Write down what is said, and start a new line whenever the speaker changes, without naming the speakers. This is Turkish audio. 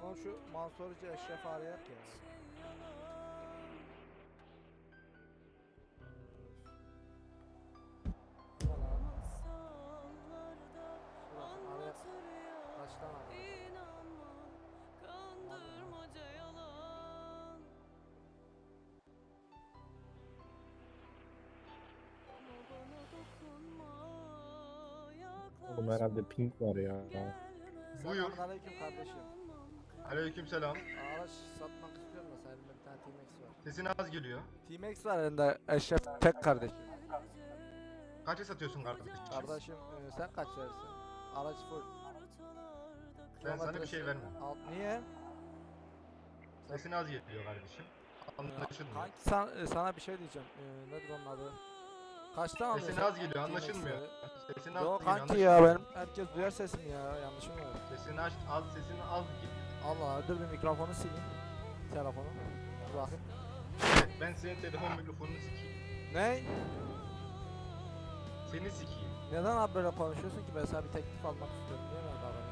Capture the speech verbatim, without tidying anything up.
bakalım şu Mansurcu Eşref arayak ya. Kaçtan arıyor?
Oğlum herhalde pink var ya.
Buyur.
Selamünaleyküm kardeşim.
Aleykümselam.
Araç satmak istiyorum da senin bir tane T-Max var.
Sesin az geliyor.
T-Max var elinde Eşref tek kardeşim.
Kaça satıyorsun kardeşim?
Kardeşim e, sen kaç verirsin? Araç full.
Ben sana bir şey vermem.
Alt, niye?
Sesin az geliyor kardeşim. Anlaşılmıyor.
Kanki san, e, sana bir şey diyeceğim. E, nedir onun adı? Kaçtan alıyorsun?
Sesin az geliyor, anlaşılmıyor. Sesin az
Yok
geliyor,
kanki
anlaşılmıyor.
ya benim herkes duyar sesimi ya, yanlışım var.
Sesini aç, az sesin az geliyor.
Allah, dur bir mikrofonu sileyim. Telefonu. Dur bakayım.
Evet, ben senin telefon mikrofonunu sikeyim.
Ne?
Seni sikeyim.
Neden abi böyle konuşuyorsun ki? Ben sana bir teklif almak istiyorum. Niye böyle davranıyorsun?